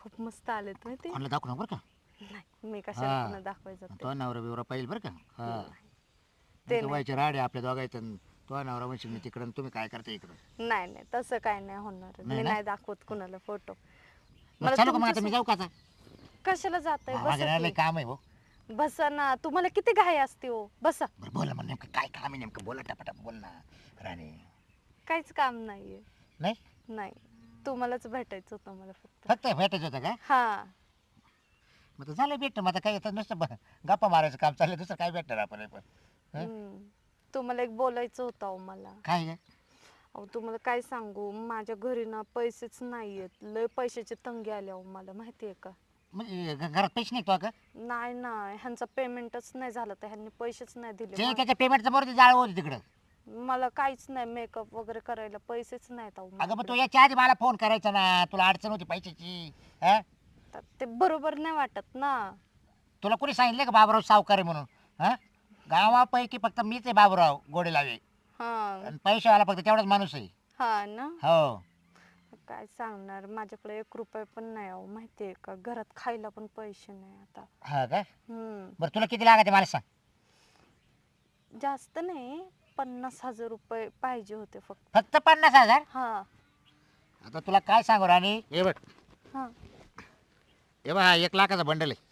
[SPEAKER 5] खूप मस्त आलेत माहिती
[SPEAKER 1] कोणाला दाखवू नको बरं का.
[SPEAKER 5] नाही मी कशाला
[SPEAKER 1] हा.
[SPEAKER 5] पुन्हा दाखवायचं ते.
[SPEAKER 1] तो नवरा बिवरा पाहिजे बरं का. हा
[SPEAKER 5] ते
[SPEAKER 1] ते व्हायचे राडे आपल्या दोघायचं. तो नवरा म्हणशील मी तिकडं आणि तुम्ही काय करता इकडं.
[SPEAKER 5] नाही नाही तसं काय नाही होणार
[SPEAKER 1] नाही
[SPEAKER 5] मी
[SPEAKER 1] ना?
[SPEAKER 5] नाही दाखवत कुणाला फोटो.
[SPEAKER 1] मग चालू का मग आता मी जाऊ का आता.
[SPEAKER 5] कशाला जाताय
[SPEAKER 1] माझं लय
[SPEAKER 5] बसा
[SPEAKER 1] काम आहे भाऊ.
[SPEAKER 5] की. बसा ना तुम्हाला किती घाई असते हो बसा.
[SPEAKER 1] बरं बोला मग नेमकं काय काम आहे नेमकं बोला टपाटप बोल ना राणी.
[SPEAKER 5] काहीच काम नाहीये.
[SPEAKER 1] नाही
[SPEAKER 5] नाही तुम्हालाच भेटायचं होतं मला फक्त.
[SPEAKER 1] फक्त भेटायचं होतं का.
[SPEAKER 5] हा
[SPEAKER 1] मग तर झालं भेटतं मग आता काय येतं नुसतं गप्पा मारायचं काम चाललं दुसरं काय भेटणार आपण पण.
[SPEAKER 5] हम्म. तुम्हाला एक बोलायचं होतं अहो मला.
[SPEAKER 1] काय आहे?
[SPEAKER 5] अहो तुम्हाला काय सांगू माझ्या घरी ना पैसेच नाहीयेत लय पैशाची तंगी आली अहो मला माहितीये का.
[SPEAKER 1] म्हणजे घरात पैसे नाही तो का.
[SPEAKER 5] नाही ना ह्यांचा पेमेंटच नाही झालं तर ह्यांनी पैसेच नाही दिले
[SPEAKER 1] ते त्याच्या पेमेंटचं बरोबर जाळ होती तिकडं.
[SPEAKER 5] मला काहीच नाही मेकअप वगैरे करायला पैसेच नाहीत अहो
[SPEAKER 1] अगं मग
[SPEAKER 5] माझ्याकडे.
[SPEAKER 1] तो याच्या आधी मला फोन करायचा ना तुला अडचण होती पैशाची. हा
[SPEAKER 5] तर ते बरोबर नाही वाटत ना.
[SPEAKER 1] तुला कोणी सांगितलं का बाबूराव सावकार आहे म्हणून. हा गावापैकी फक्त मीच आहे बाबूराव गोडे लावे
[SPEAKER 5] हा
[SPEAKER 1] आणि पैशावाला फक्त तेवढाच माणूस आहे.
[SPEAKER 5] हा ना
[SPEAKER 1] हो
[SPEAKER 5] काय सांगणार माझ्याकडे 1 रुपया पण नाही अहो माहितीये का घरात खायला पण पैसे नाही आता.
[SPEAKER 1] हा का.
[SPEAKER 5] हम्म
[SPEAKER 1] बरं तुला किती लागायचे मला सांग.
[SPEAKER 5] जास्त नाही 50,000 रुपये पाहिजे होते फक्त.
[SPEAKER 1] फक्त 50,000.
[SPEAKER 5] हा
[SPEAKER 1] आता तुला काय सांगू राणी हे बघ
[SPEAKER 5] हा
[SPEAKER 1] हे बघ हा 1 लाखाचा बंडल आहे.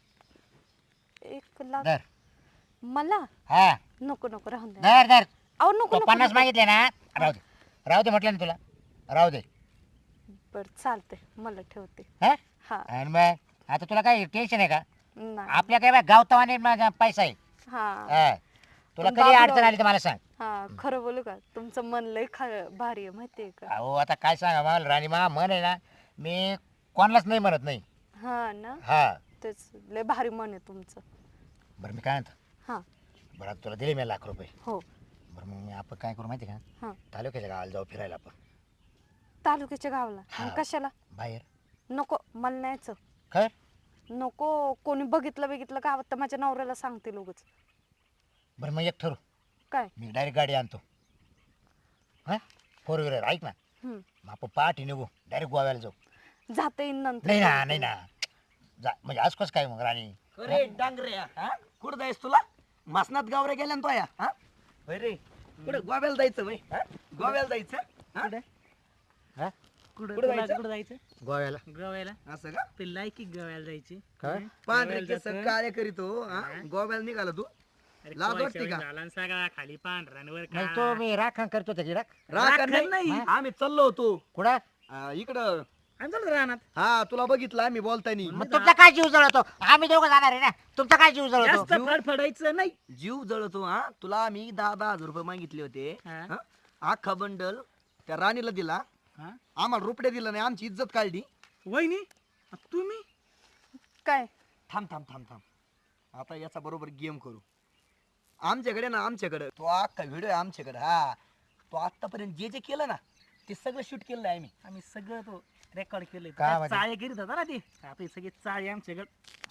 [SPEAKER 5] 1 लाख
[SPEAKER 1] धर.
[SPEAKER 5] मला
[SPEAKER 1] हा
[SPEAKER 5] नको नको राहून दे
[SPEAKER 1] धर धर.
[SPEAKER 5] अहो नको
[SPEAKER 1] तो
[SPEAKER 5] नको
[SPEAKER 1] 50
[SPEAKER 5] नको.
[SPEAKER 1] मागितले ना राहू दे म्हटलं ना तुला राहू दे.
[SPEAKER 5] बर चालते मला ठेवते.
[SPEAKER 1] हा
[SPEAKER 5] हा
[SPEAKER 1] आणि मग आता तुला काय टेन्शन आहे का.
[SPEAKER 5] नाही
[SPEAKER 1] आपल्या काय गावतावाने माझा पैसा आहे.
[SPEAKER 5] हा
[SPEAKER 1] हा तुला
[SPEAKER 5] पण
[SPEAKER 1] कधी
[SPEAKER 5] बाबूराव-
[SPEAKER 1] अडचण आली तर मला सांग.
[SPEAKER 5] हा खरं बोलू का तुमचं मन लय भारी आहे माहितीये का.
[SPEAKER 1] अहो आता काय सांगा मला राणी मा मन आहे ना मी कोणालाच नाही म्हणत नाही.
[SPEAKER 5] हा ना
[SPEAKER 1] हा
[SPEAKER 5] तेच लय भारी मन आहे तुमचं.
[SPEAKER 1] बरं मी काय म्हणतो
[SPEAKER 5] हा
[SPEAKER 1] बरं आता तुला दिले मी ₹1,00,000.
[SPEAKER 5] हो
[SPEAKER 1] बरं मग आपण काय करू माहिती आहे का
[SPEAKER 5] हा
[SPEAKER 1] तालुक्याच्या गावाला जाऊ फिरायला आपण
[SPEAKER 5] तालुक्याच्या गावाला
[SPEAKER 1] हा.
[SPEAKER 5] आणि कशाला
[SPEAKER 1] बाहेर.
[SPEAKER 5] नको मला न्यायचं
[SPEAKER 1] खर
[SPEAKER 5] नको कोणी बघितलं गावात तर माझ्या नवऱ्याला सांगते लोकच.
[SPEAKER 1] बरं मग एक ठरू
[SPEAKER 5] काय
[SPEAKER 1] मी डायरेक्ट गाडी आणतो. हा 4 व्हीलर ऐक ना
[SPEAKER 5] हम्म.
[SPEAKER 1] मग आपण पहाटे निघू डायरेक्ट गोव्याला जाऊ.
[SPEAKER 5] जाता येईन नंतर
[SPEAKER 1] नाही ना नाही ना जा म्हणजे आज कसं काय मग राणी.
[SPEAKER 2] अरे डांगऱ्या हा कुठं जायस तुला मासनात गावरे गेल्या ना तो या हा होय रे कुठं गोव्याला जायचं वय हा गोव्याला जायचं हा?
[SPEAKER 1] हा
[SPEAKER 3] कुठं
[SPEAKER 2] कुठं
[SPEAKER 3] तुला
[SPEAKER 2] जायचं?
[SPEAKER 3] कुठं जायचं
[SPEAKER 1] गोव्याला
[SPEAKER 3] गोव्याला
[SPEAKER 2] असं का
[SPEAKER 3] ते लायकी गोव्याला जायची.
[SPEAKER 1] काय
[SPEAKER 2] पांढरे
[SPEAKER 3] गोव्याला
[SPEAKER 2] केस
[SPEAKER 3] जातं.
[SPEAKER 2] काळे करीतो हा गोव्याला निघाला तू
[SPEAKER 3] अरे
[SPEAKER 2] लाज
[SPEAKER 3] कोळशा
[SPEAKER 2] वाटते का?
[SPEAKER 3] वगैरे झाला आणि सगळा खाली पांढरांवर
[SPEAKER 1] नाही तो मी राखण करतो त्याची राख.
[SPEAKER 2] राखण नाही
[SPEAKER 1] हा?
[SPEAKER 2] आम्ही चाललो होतो
[SPEAKER 1] कुठं
[SPEAKER 2] इकडं
[SPEAKER 3] राहणार.
[SPEAKER 2] हा तुला बघितलं आम्ही बोलतानी
[SPEAKER 1] मग तुमचा काय जीव जळतो आम्ही दोघं जाणार आहे ना तुमचा काय जीव जळतो.
[SPEAKER 3] जास्त फडफडायचं नाही.
[SPEAKER 2] जीव जळतो हा तुला आम्ही 10,000 रुपये मागितले होते
[SPEAKER 3] हा.
[SPEAKER 2] हा? अख्खा बंडल त्या राणीला दिला
[SPEAKER 3] हा?
[SPEAKER 2] आम्हाला रुपये दिला नाही आमची इज्जत काढली.
[SPEAKER 3] वहिनी तुम्ही
[SPEAKER 5] काय
[SPEAKER 2] थांब थांब थांब थांब आता याचा बरोबर गेम करू. आमच्याकडे ना आमच्याकडे तो अख्खा व्हिडिओ आहे आमच्याकडे हा तो आतापर्यंत जे जे केलं ना ते सगळं शूट केलं आहे
[SPEAKER 3] आम्ही सगळं तो रेकॉर्ड केलंय.
[SPEAKER 1] काय
[SPEAKER 3] त्या
[SPEAKER 1] माहिती?
[SPEAKER 3] चाळे करीत होता ना ते आता हे सगळे चाळे आमच्याकडे.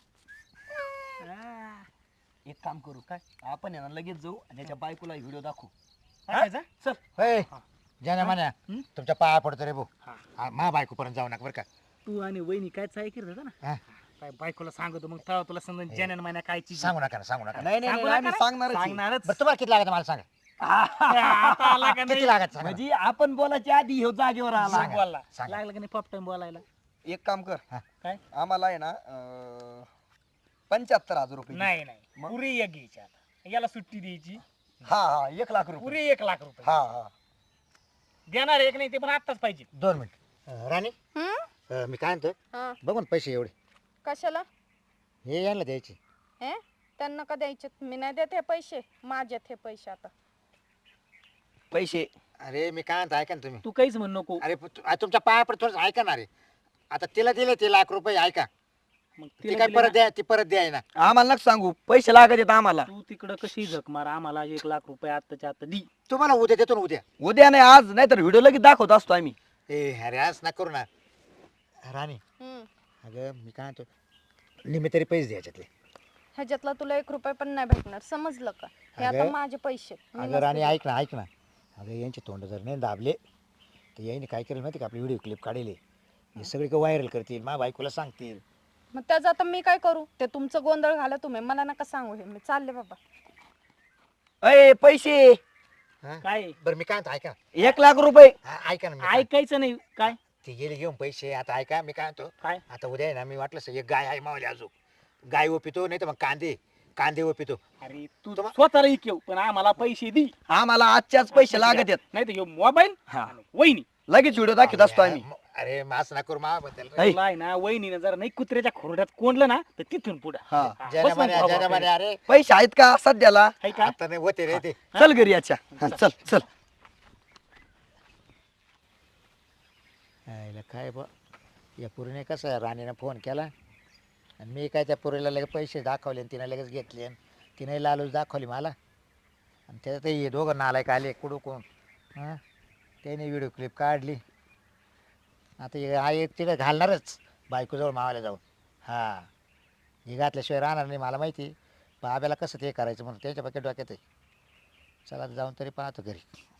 [SPEAKER 2] एक काम करू काय आपण आहे ना लगेच जाऊ आणि त्याच्या बायकोला व्हिडिओ दाखवू.
[SPEAKER 3] टाकायचा?
[SPEAKER 2] चल
[SPEAKER 1] होय ज्याने म्हणा
[SPEAKER 3] हं?
[SPEAKER 1] तुमच्या पाया पडतो रे भाऊ.
[SPEAKER 3] हा.
[SPEAKER 1] मा बायकोपर्यंत जाऊ नका बरं का.
[SPEAKER 3] तू आणि वहिनी काय चाळे करीत होता ना
[SPEAKER 1] हा.
[SPEAKER 3] काय बायकोला सांगतो मग तेव्हा तुला समजा जनन महिना काय चीज
[SPEAKER 1] सांगू नका ना सांगू नका ना.
[SPEAKER 2] नाही नाही
[SPEAKER 3] सांगू
[SPEAKER 2] नाही,
[SPEAKER 3] नका
[SPEAKER 2] आम्ही
[SPEAKER 3] ना?
[SPEAKER 2] सांगणारच आहे.
[SPEAKER 3] सांगणारच.
[SPEAKER 1] बरं तुम्हाला किती लागत मला सांगा.
[SPEAKER 3] आता आला का
[SPEAKER 1] किती
[SPEAKER 3] नाही?
[SPEAKER 1] लागत सांगा.
[SPEAKER 2] म्हणजे आपण बोलायच्या आधी ह्यो जागेवर आला.
[SPEAKER 1] सांगा.
[SPEAKER 3] बोलला
[SPEAKER 1] सांगा.
[SPEAKER 3] लागलं का नाही पॉप टाइम बोलायला.
[SPEAKER 2] एक काम कर
[SPEAKER 3] काय
[SPEAKER 2] आम्हाला आहे ना 75,000 रुपये दे.
[SPEAKER 3] नाही नाही
[SPEAKER 2] मग?
[SPEAKER 3] पुरी एक घ्यायची आता याला सुट्टी द्यायची.
[SPEAKER 2] हा हा 1,00,000 रुपये
[SPEAKER 3] पुरी 1,00,000
[SPEAKER 2] हा हा
[SPEAKER 3] देणार एक नाही ते पण आत्ताच पाहिजे.
[SPEAKER 1] 2 मिनिट राणी
[SPEAKER 5] हम्म?
[SPEAKER 1] मी काय म्हणतो
[SPEAKER 5] हा
[SPEAKER 1] बघून पैसे एवढे
[SPEAKER 5] कशाला
[SPEAKER 1] हे यांना द्यायचे.
[SPEAKER 5] हे त्यांना का द्यायचे मी नाही देत हे पैसे माझ्यात हे पैसे आता.
[SPEAKER 2] पैसे
[SPEAKER 1] अरे मी काय म्हणतो ऐका ना तुम्ही.
[SPEAKER 3] तू काहीच म्हण नको.
[SPEAKER 1] अरे तुमच्या पाया पड थोडं ऐका ना रे. आता तिला दिले ते ₹1,00,000 ऐका
[SPEAKER 3] मग
[SPEAKER 1] ती
[SPEAKER 3] तिला
[SPEAKER 1] काय
[SPEAKER 3] दिले
[SPEAKER 1] परत
[SPEAKER 3] ना.
[SPEAKER 1] द्या ती परत द्याय ना.
[SPEAKER 2] आम्हाला नका सांगू पैसे लागत आहेत आम्हाला.
[SPEAKER 3] तू तिकडं कशी झक मार आम्हाला ₹1,00,000 आत्ताच्या आता दी.
[SPEAKER 1] तुम्हाला उद्या देतो ना उद्या.
[SPEAKER 2] उद्या नाही आज नाही तर व्हिडिओ लगेच दाखवत असतो आम्ही.
[SPEAKER 1] ए अरे आज ना करू ना राणी.
[SPEAKER 5] हम्म.
[SPEAKER 1] अगं मी काय म्हणतो निम्मे तरी पैसे द्यायच्यातले.
[SPEAKER 5] ह्याच्यातला तुला 1 रुपया पण नाही भेटणार समजलं का. हे आता
[SPEAKER 1] अगं-
[SPEAKER 5] माझे पैसे मी
[SPEAKER 1] अगं
[SPEAKER 5] नसते
[SPEAKER 1] राणी
[SPEAKER 5] देत.
[SPEAKER 1] ऐक ना अगं यांचे तोंड जर नाही दाबले तर यांनी काय केलं माहिती का आपली व्हिडिओ क्लिप काढले हे सगळी व्हायरल करतील माझ्या बायकोला सांगतील.
[SPEAKER 5] मग त्याचं आता मी काय करू? ते तुमचं गोंधळ घाला तुम्ही, मला नका सांगू हे. मी चालले बाबा.
[SPEAKER 2] अय पैसे
[SPEAKER 1] हा?
[SPEAKER 3] काय
[SPEAKER 1] बरं मी काय म्हणतो ऐका
[SPEAKER 2] 1,00,000 रुपये.
[SPEAKER 1] ऐका ना मी काय-
[SPEAKER 3] ऐकायचं नाही काय
[SPEAKER 1] ते गेले घेऊन पैसे. आता ऐका मी काय म्हणतो
[SPEAKER 3] काय
[SPEAKER 1] आता उद्या आहे ना मी वाटलं एक गाय आहे मावली अजून गाय ओपितो नाही तर मग कांदे ओपितो.
[SPEAKER 3] अरे तू
[SPEAKER 1] तुम्हा-
[SPEAKER 3] स्वतःला इकव पण आम्हाला पैसे दे
[SPEAKER 2] आम्हाला आजच्याच पैसे लागत आहेत.
[SPEAKER 3] नाही तर मोबाईल
[SPEAKER 2] हा.
[SPEAKER 3] वहिनी
[SPEAKER 2] लगेच व्हिडिओ दाखवत असतो आम्ही.
[SPEAKER 1] अरे मास ना करू माबद्दल
[SPEAKER 2] ऐ.
[SPEAKER 3] तुला आहे ना वहिनीनं जर नाही कुत्र्याच्या खोरड्यात कोंडलं ना तर तिथून पुढे
[SPEAKER 2] हा.
[SPEAKER 1] जनाबाने अरे
[SPEAKER 2] पैसे आहेत का सध्याला?
[SPEAKER 3] का
[SPEAKER 1] आता नाही होते रे ते.
[SPEAKER 2] चल घरी याच्या. हा, चल चल.
[SPEAKER 1] आईला काय बा या पुरीने कसं राणीनं फोन केला आणि मी काय त्या पुरीला लगेच पैसे दाखवले आणि तिने लगेच घेतले आणि तिने लालूच दाखवली मला आणि त्याच्यात हे दोघं नालायक आले कुडूकून. हां त्याने व्हिडिओ क्लिप काढली. आता हे आई तिकडे घालणारच बायकोजवळ मावायला जाऊन. हां हे घातल्याशिवाय राहणार नाही मला माहिती. बाब्याला कसं ते करायचं म्हणून त्याच्यापैकी डोक्यात आहे. चला आता जाऊन तरी पाहतो घरी.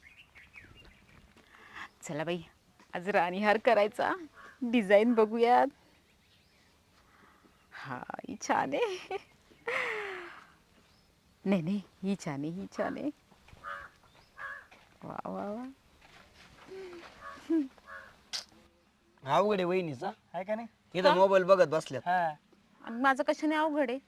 [SPEAKER 4] चला बाई आज राणीहार करायचा. डिझाईन बघूयात. हा ही छान आहे. नाही नाही ही छान आहे, ही छान आहे. वा वा वा.
[SPEAKER 2] अवघड आहे वहिनीचा.
[SPEAKER 3] आहे का नाही
[SPEAKER 2] इथं मोबाईल बघत बसल्यात.
[SPEAKER 3] हा
[SPEAKER 4] आणि माझं कशाने अवघड आहे?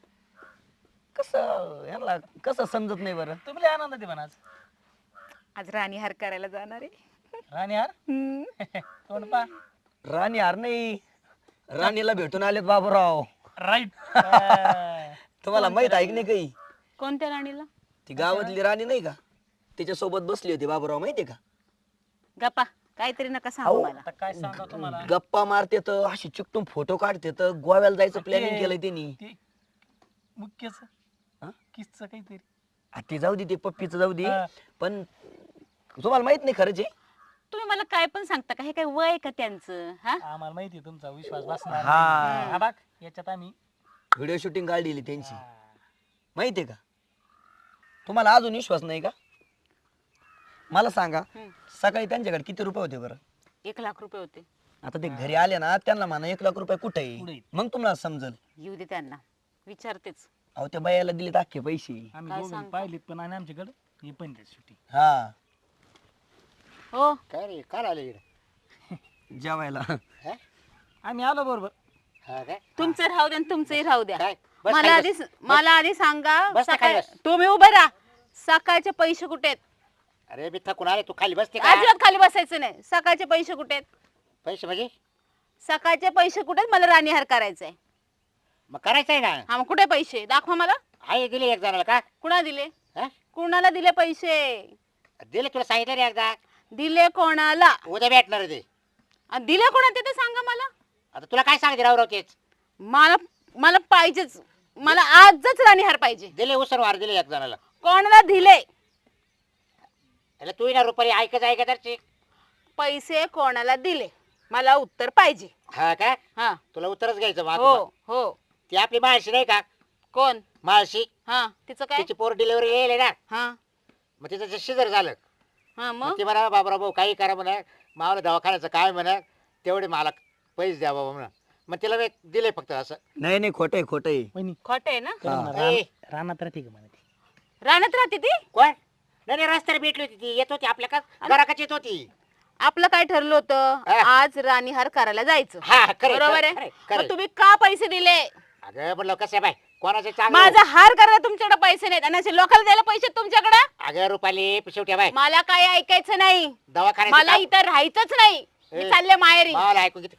[SPEAKER 2] कसं यांना कसं समजत नाही बरं.
[SPEAKER 3] तुम्ही लय आनंद दे म्हणा
[SPEAKER 4] आज राणीहार करायला जाणार आहे.
[SPEAKER 3] राणी यार
[SPEAKER 4] हम्म.
[SPEAKER 3] तोंड पा
[SPEAKER 2] राणी हार नाही, राणीला भेटून आलेत बाबूराव.
[SPEAKER 3] राईट
[SPEAKER 2] तुम्हाला माहित आहे की नाही काही?
[SPEAKER 4] कोणत्या राणीला?
[SPEAKER 2] ती गावातली राणी नाही का, तिच्या सोबत बसली होती बाबूराव, माहितीये का?
[SPEAKER 4] गप्पा काहीतरी नका सांगू
[SPEAKER 2] अहो.
[SPEAKER 4] मला.
[SPEAKER 3] आता काय सांगा तुम्हाला
[SPEAKER 2] गप्पा मारते तर अशी चिकटून फोटो काढते तर गोव्याला जायचं प्लॅनिंग केलंय त्यांनी.
[SPEAKER 3] ते मुख्यच
[SPEAKER 2] हा?
[SPEAKER 3] किसच काहीतरी
[SPEAKER 2] ती जाऊ दे, ते पप्पीचं जाऊ दे.
[SPEAKER 3] हा.
[SPEAKER 2] पण तुम्हाला माहित नाही खरंच आहे?
[SPEAKER 4] तुम्ही मला काय पण सांगता का? हे काय वय का त्यांचं? हा
[SPEAKER 3] आम्हाला माहिती आहे तुमचा विश्वास बसणार
[SPEAKER 2] हा.
[SPEAKER 3] नाही. हा बघ याच्यात आम्ही
[SPEAKER 2] व्हिडिओ शूटिंग काढलेली त्यांची,
[SPEAKER 3] हा.
[SPEAKER 2] माहितीये का? तुम्हाला अजून विश्वास नाही का? मला सांगा,
[SPEAKER 4] हम्म.
[SPEAKER 2] सकाळी त्यांच्याकडे किती रुपये होते बरं?
[SPEAKER 4] 1,00,000 रुपये होते.
[SPEAKER 2] आता ते घरी आले ना, त्यांना म्हणा 1,00,000 रुपये कुठे
[SPEAKER 3] कुठे
[SPEAKER 2] आहे,
[SPEAKER 3] आहेत?
[SPEAKER 2] मग तुम्हाला समजल.
[SPEAKER 4] येऊ दे त्यांना, विचारतेच.
[SPEAKER 2] अहो त्या बायाला दिलेत अख्खे पैसे.
[SPEAKER 3] आम्ही
[SPEAKER 4] काय
[SPEAKER 3] दोघं
[SPEAKER 4] सांगता?
[SPEAKER 3] पाहिलेत पण आणि आमच्याकडे हे पण सुट्टी
[SPEAKER 2] हा
[SPEAKER 4] हो
[SPEAKER 1] काय रे काय आले इकडे?
[SPEAKER 2] जेवायला.
[SPEAKER 3] आम्ही आलो बरोबर.
[SPEAKER 1] हा काय
[SPEAKER 4] तुमचं राहू द्या आणि तुमचंही राहू द्या.
[SPEAKER 1] काय बस
[SPEAKER 4] मला
[SPEAKER 1] खाली
[SPEAKER 4] आधी मला आधी सांगा
[SPEAKER 1] बस ना खाली
[SPEAKER 4] सकाळ
[SPEAKER 1] बस.
[SPEAKER 4] तुम्ही उभे राहा. सकाळचे पैसे कुठे आहेत?
[SPEAKER 1] अरे मी थकून आले तू खाली बसते का?
[SPEAKER 4] अजिबात खाली बसायचं नाही. सकाळचे पैसे कुठे आहेत?
[SPEAKER 1] पैसे म्हणजे
[SPEAKER 4] सकाळचे पैसे कुठे आहेत? मला राणीहार करायचंय.
[SPEAKER 1] मग करायचं आहे ना.
[SPEAKER 4] हा मग कुठे पैसे दाखवा मला.
[SPEAKER 1] आहे दिले एक जणाला का?
[SPEAKER 4] कुणा दिले?
[SPEAKER 1] हा?
[SPEAKER 4] कुणाला दिले पैसे?
[SPEAKER 1] दिले तुला सांगितलं रे एकदा.
[SPEAKER 4] दिले कोणाला?
[SPEAKER 1] उद्या भेटणार आहे ते.
[SPEAKER 4] आणि दिले कोणा ते सांगा मला.
[SPEAKER 1] आता तुला काय सांगते राव तेच
[SPEAKER 4] मला मला पाहिजेच. मला आजच राणीहार पाहिजे.
[SPEAKER 1] दिले उसर वार दिले एक जणाला.
[SPEAKER 4] कोणाला दिले
[SPEAKER 1] त्याला तू ना रुपारी ऐकत तर
[SPEAKER 4] पैसे? कोणाला दिले? मला उत्तर पाहिजे.
[SPEAKER 1] हा का?
[SPEAKER 4] हा
[SPEAKER 1] तुला उत्तरच घ्यायचं
[SPEAKER 4] हो
[SPEAKER 1] मग.
[SPEAKER 4] हो.
[SPEAKER 1] ती आपली माळशी नाही का?
[SPEAKER 4] कोण?
[SPEAKER 1] माळशी.
[SPEAKER 4] हा तिचं काय?
[SPEAKER 1] तिची पोर डिलिव्हरी येईल ना.
[SPEAKER 4] हा
[SPEAKER 1] मग तिचं जे शिजर झालं
[SPEAKER 4] हा
[SPEAKER 1] मग
[SPEAKER 4] मग
[SPEAKER 1] ती म्हणा बाबरा भाऊ काही करा म्हणा मावला दवाखान्याचं काय म्हणा तेवढे मला पैसे द्या बाबा म्हणा. मग तिला मी दिले फक्त असं.
[SPEAKER 2] नाही नाही, खोटं आहे, खोटं आहे.
[SPEAKER 3] वहिनी
[SPEAKER 4] खोट आहे ना?
[SPEAKER 3] करू म्हणा,
[SPEAKER 1] ए.
[SPEAKER 3] रानात राहते का म्हणा ती?
[SPEAKER 4] रानात राहते ती?
[SPEAKER 1] कोण? नाही रस्त्याला भेटली होती ती. येत होती आपल्या का घराकच येत होती.
[SPEAKER 4] आपलं काय ठरलं होतं?
[SPEAKER 1] हा.
[SPEAKER 4] आज राणीहार करायला जायचं.
[SPEAKER 1] हा खरे
[SPEAKER 4] बरोबर आहे. मग तुम्ही का पैसे दिले?
[SPEAKER 1] अगं म्हणलं कसं आहे बाय कोणाचं चांगलं.
[SPEAKER 4] माझा हार करायला तुमच्याकडे पैसे नाहीत आणि असे लोकांना द्यायला पैसे तुमच्याकडे?
[SPEAKER 1] अगं रुपाली शेवटी बाय
[SPEAKER 4] मला काय ऐकायचं नाही.
[SPEAKER 1] दवाखान्याचं
[SPEAKER 4] मला
[SPEAKER 1] काम-
[SPEAKER 4] इथं राहायचंच नाही. मी
[SPEAKER 1] ए.
[SPEAKER 4] चालले माहेरी.
[SPEAKER 1] मला ऐकून घेते.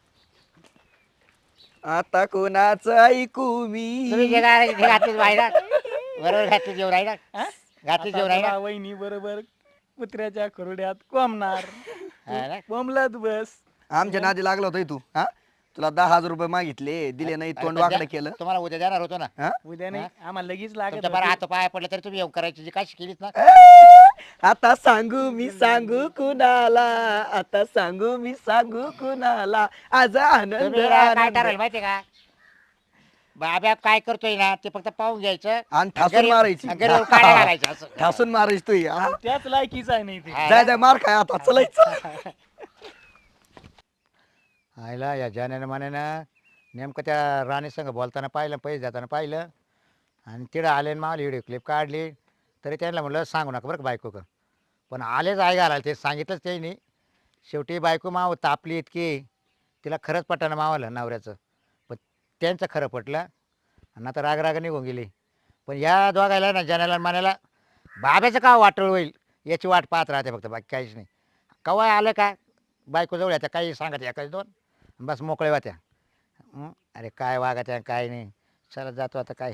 [SPEAKER 2] आता कोणाचं ऐकू
[SPEAKER 1] तुम्ही
[SPEAKER 2] मी?
[SPEAKER 1] जे काय घातलीच बाहेर बरोबर घातली जेवण आहे ना.
[SPEAKER 3] हा?
[SPEAKER 1] घातली
[SPEAKER 3] आता
[SPEAKER 1] जेवण आहे
[SPEAKER 3] तुला
[SPEAKER 1] ना.
[SPEAKER 3] वहिनी बरोबर कुत्र्याच्या खोरड्यात कोंबणार.
[SPEAKER 1] हा ना?
[SPEAKER 3] कोंबलात बस.
[SPEAKER 2] आमच्या नादी लागला होता तू. हा, तुला 10,000 रुपये मागितले, दिले नाही,
[SPEAKER 1] अरे
[SPEAKER 2] तोंड
[SPEAKER 1] पण
[SPEAKER 2] वाकडं
[SPEAKER 1] द्या-
[SPEAKER 2] केलं.
[SPEAKER 1] तुम्हाला उद्या देणार होतो ना.
[SPEAKER 2] हा?
[SPEAKER 3] उद्या नाही आम्हाला लगेच लागत
[SPEAKER 1] तुमच्या बरं
[SPEAKER 3] होती.
[SPEAKER 1] हात पाय पडले तरी तुम्ही येऊन करायची जी काय केलीत ना.
[SPEAKER 2] आता सांगू मी सांगू कुणाला, आता सांगू मी सांगू कुणाला, आज आनंद
[SPEAKER 1] तुम्ही ना काय
[SPEAKER 2] आनंद.
[SPEAKER 1] ठरवलं माहितीये का? बाब्या काय करतोय ना ते फक्त पाहून घ्यायचं
[SPEAKER 2] आणि ठासून
[SPEAKER 1] घरी-
[SPEAKER 2] मारायची.
[SPEAKER 1] घरी येऊन काढा घालायचं असं.
[SPEAKER 2] ठासून मारायची तू. हा?
[SPEAKER 3] त्याच लायकीच आहे नाही ते.
[SPEAKER 1] हा
[SPEAKER 2] जाय
[SPEAKER 1] ना?
[SPEAKER 2] जाय मार खाय आता, चलायचं.
[SPEAKER 1] आयला या जाण्यानं मानेनं नेमकं त्या राणी संग बोलताना पाहिलं पैसे देताना पाहिलं आणि तिकडं आले आणि मावली व्हिडिओ क्लिप काढली तरी त्यांना म्हटलं सांगू नका बरं का बायको का पण आलेच आहे घालायला ते सांगितलंच त्यांनी शेवटी बायको माव तापली इतकी तिला खरंच पटानं मावलं नवऱ्याचं पण त्यांचं खरं पटलं आणि आता राग निघून गेली पण या दोघायला ना जाण्याला आणि मानायला बाब्याचं का वाटोळ होईल याची वाट पाहत राहते फक्त बाकी काहीच नाही कवा आलं का बायको जवळ येत्या काही सांगत एकाच दोन बस मोकळे होत्या अरे काय वागत आहे काय नाही चला जातो आता काय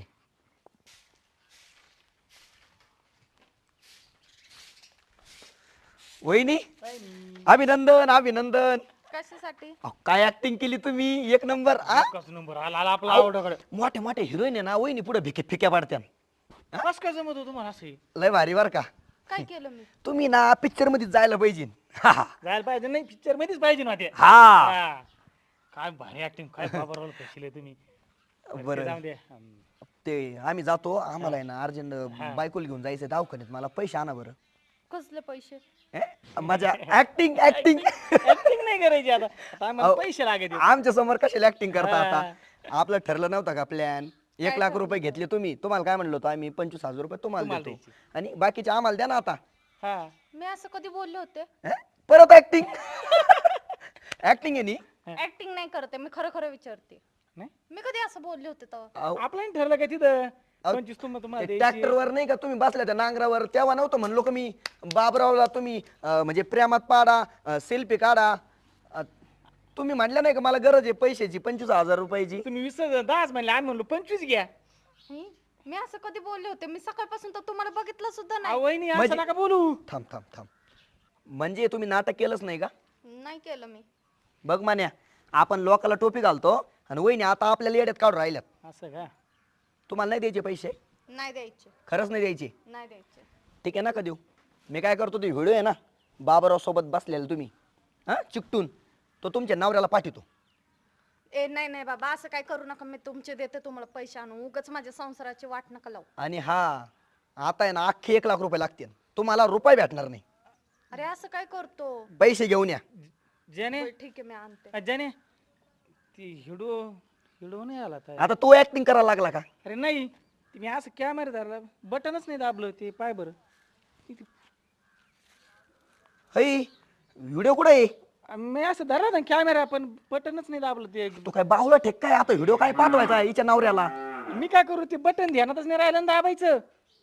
[SPEAKER 2] वहिनी अभिनंदन अभिनंदन.
[SPEAKER 4] कशासाठी?
[SPEAKER 2] अहो, काय ऍक्टिंग केली तुम्ही एक नंबर.
[SPEAKER 3] कस नंबर आला आला आपला आवडाकडे
[SPEAKER 2] मोठे मोठे हिरोईन आहे ना वहिनी पुढे भिके फिक्या पाडत्या.
[SPEAKER 3] कस काय जमत होतं तुम्हाला असे
[SPEAKER 2] लय भारी बर का.
[SPEAKER 4] काय केलं मी?
[SPEAKER 2] तुम्ही ना पिक्चर मध्ये जायला पाहिजे.
[SPEAKER 3] जायला पाहिजे नाही पिक्चर मध्येच पाहिजे ना ते
[SPEAKER 2] हा
[SPEAKER 3] हा. काय भारी ऍक्टिंग काय बाबा रोल कशीले तुम्ही
[SPEAKER 2] बरं.
[SPEAKER 3] जाऊ दे
[SPEAKER 2] ते आम्ही जातो आम्हाला आहे ना अर्जंट बायकोला घेऊन जायचं दवाखान्यात मला पैसे आणा बरं.
[SPEAKER 4] कसले पैसे?
[SPEAKER 2] माझ्या ऍक्टिंग ऍक्टिंग
[SPEAKER 3] ऍक्टिंग नाही करायची आता आता आम्हाला
[SPEAKER 2] अहो,
[SPEAKER 3] पैसे लागेल
[SPEAKER 2] आमच्या समोर कशाला ऍक्टिंग करता आता. आपलं ठरलं नव्हतं का प्लॅन 1,00,000 रुपये घेतले तुम्ही तुम्हाला काय म्हणलो होतो आम्ही 25,000 रुपये तुम्हाला
[SPEAKER 3] तुम्हाला
[SPEAKER 2] देतो
[SPEAKER 3] द्यायचे.
[SPEAKER 2] आणि बाकीचे आम्हाला द्या ना आता.
[SPEAKER 3] हा
[SPEAKER 4] मी असं कधी बोलले होते?
[SPEAKER 2] परत ऍक्टिंग ऍक्टिंग आहे नी.
[SPEAKER 4] ऍक्टिंग नाही करते मी, खरं खरं विचारते.
[SPEAKER 3] नाही
[SPEAKER 4] मी कधी असं बोलले होते तेव्हा?
[SPEAKER 3] आपलं नाही ठरलं का तिथं 25 तुम्हाला द्यायची.
[SPEAKER 2] ट्रॅक्टरवर नाही का तुम्ही बसल्या त्या नांगरावर तेव्हा नव्हतं म्हणलो का मी बाबरावला तुम्ही म्हणजे प्रेमात पाडा सेल्फी काढा. तुम्ही म्हणलं नाही का मला गरज आहे पैशाची 25,000 रुपयाची.
[SPEAKER 3] तुम्ही 10 म्हणले आम्ही म्हणलो 25 घ्या.
[SPEAKER 4] मी असं कधी बोलले होते? मी सकाळपासून तर तुम्हाला बघितलं सुद्धा
[SPEAKER 3] अहो,
[SPEAKER 4] नाही.
[SPEAKER 3] वहिनी
[SPEAKER 2] म्हणजे-
[SPEAKER 3] असं नका बोलू.
[SPEAKER 2] थांब थांब थांब म्हणजे तुम्ही नाटक केलंच नाही का.
[SPEAKER 4] नाही केलं मी.
[SPEAKER 2] बघ मान्या आपण लोकाला टोपी घालतो आणि वहिनी आता आपल्याला येड्यात काढून राहिल्यात.
[SPEAKER 3] असं का
[SPEAKER 2] तुम्हाला नाही द्यायचे पैसे.
[SPEAKER 4] नाही द्यायचे.
[SPEAKER 2] खरंच नाही द्यायचे.
[SPEAKER 4] नाही द्यायचे.
[SPEAKER 2] ठीक आहे नका देऊ. मी काय करतो ते व्हिडिओ आहे ना बाबराव सोबत बसलेला तुम्ही हा चिकटून तो तुमच्या नवऱ्याला पाठवतो.
[SPEAKER 4] नाही नाही बाबा असं काय करू नका. मी तुमचे देते तुम्हाला पैसे आणून. उगाच माझ्या संसाराची वाट नका लावू.
[SPEAKER 2] आणि हा आता आहे ना अख्खे 1,00,000 रुपये लागतील तुम्हाला रुपये भेटणार नाही.
[SPEAKER 4] अरे असं काय करतो?
[SPEAKER 2] पैसे घेऊन या.
[SPEAKER 3] ज्याने
[SPEAKER 4] बरं, ठीक आहे मी आणते.
[SPEAKER 3] ज्याने ती हिडो हिडो नाही आला तर
[SPEAKER 2] आता तो ऍक्टिंग करायला लागला का.
[SPEAKER 3] अरे नाही ते मी असं कॅमेरा धरला बटनच नाही दाबलं ते पाय बरं
[SPEAKER 2] हई व्हिडिओ कुठे आहे.
[SPEAKER 3] मी असं धरला ना कॅमेरा पण बटनच नाही दाबलं ते
[SPEAKER 2] तू काय बाहुला ठेक काय आता व्हिडिओ काय पाठवायचा हिच्या नवऱ्याला.
[SPEAKER 3] मी काय करू ते बटन ध्यानातच नाही राहिलं ना दाबायचं.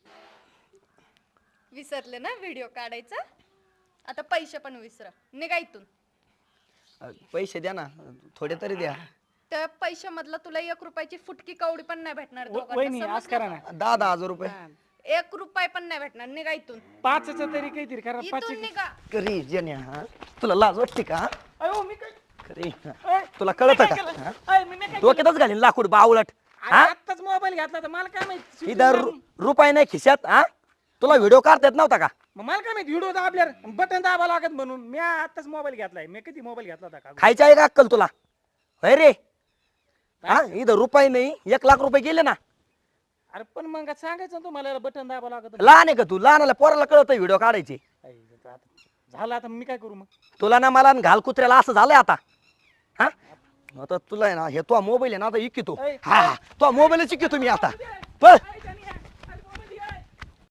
[SPEAKER 4] विसरले ना व्हिडिओ काढायचा? आता पैसे पण विसरा. निघा इथून.
[SPEAKER 2] पैसे द्या ना थोडे तरी द्या.
[SPEAKER 4] त्या पैशामधला तुला 1 रुपयाची फुटकी कवडी पण नाही भेटणार दोघांना.
[SPEAKER 3] वहिनी असं
[SPEAKER 4] समजलं
[SPEAKER 3] करा
[SPEAKER 4] का?
[SPEAKER 3] ना
[SPEAKER 2] 10,000 रुपये
[SPEAKER 4] 1 रुपया पण नाही भेटणार. निघा इथून.
[SPEAKER 3] 5च तरी काहीतरी करा 5
[SPEAKER 4] इथून निघा.
[SPEAKER 2] करी जन्या हा? तुला लाज वाटते का.
[SPEAKER 3] अयो मी काय
[SPEAKER 2] खरी
[SPEAKER 3] अय,
[SPEAKER 2] तुला
[SPEAKER 3] मी
[SPEAKER 2] कळत
[SPEAKER 3] काय
[SPEAKER 2] का
[SPEAKER 3] केलं?
[SPEAKER 2] हा?
[SPEAKER 3] अय, मी नाही काय
[SPEAKER 2] डोक्यातच घालीन लाकूड बावलट.
[SPEAKER 3] केलं? अरे, आत्ताच मोबाईल घेतला तर मला काय माहिती
[SPEAKER 2] इधर रुपये नाही खिशात हा तुला व्हिडिओ काढता येत नव्हता का.
[SPEAKER 3] मग मला काय माहिती व्हिडिओ दाबल्यावर बटन दाबा लागत म्हणून मी आत्ताच मोबाईल घेतलाय. मी कधी मोबाईल घेतला होता का
[SPEAKER 2] खायची आहे का अक्कल तुला. होय रे हा इथं रुपये नाही 1,00,000 रुपये गेले ना.
[SPEAKER 3] अरे पण मग सांगायचं ना तुम्हाला बटन दाबा लागत
[SPEAKER 2] लहान आहे का तू लहानाला पोराला कळत व्हिडिओ काढायचे.
[SPEAKER 3] झालं आता मी काय करू मग
[SPEAKER 2] तुला ना मला न घाल कुत्र्याला असं झालंय आता हा. आता तुला आहे ना हे तो मोबाईल आहे ना आता इकितो.
[SPEAKER 3] ऐ,
[SPEAKER 2] हा तो मोबाईलच इकितो मी आता. पळ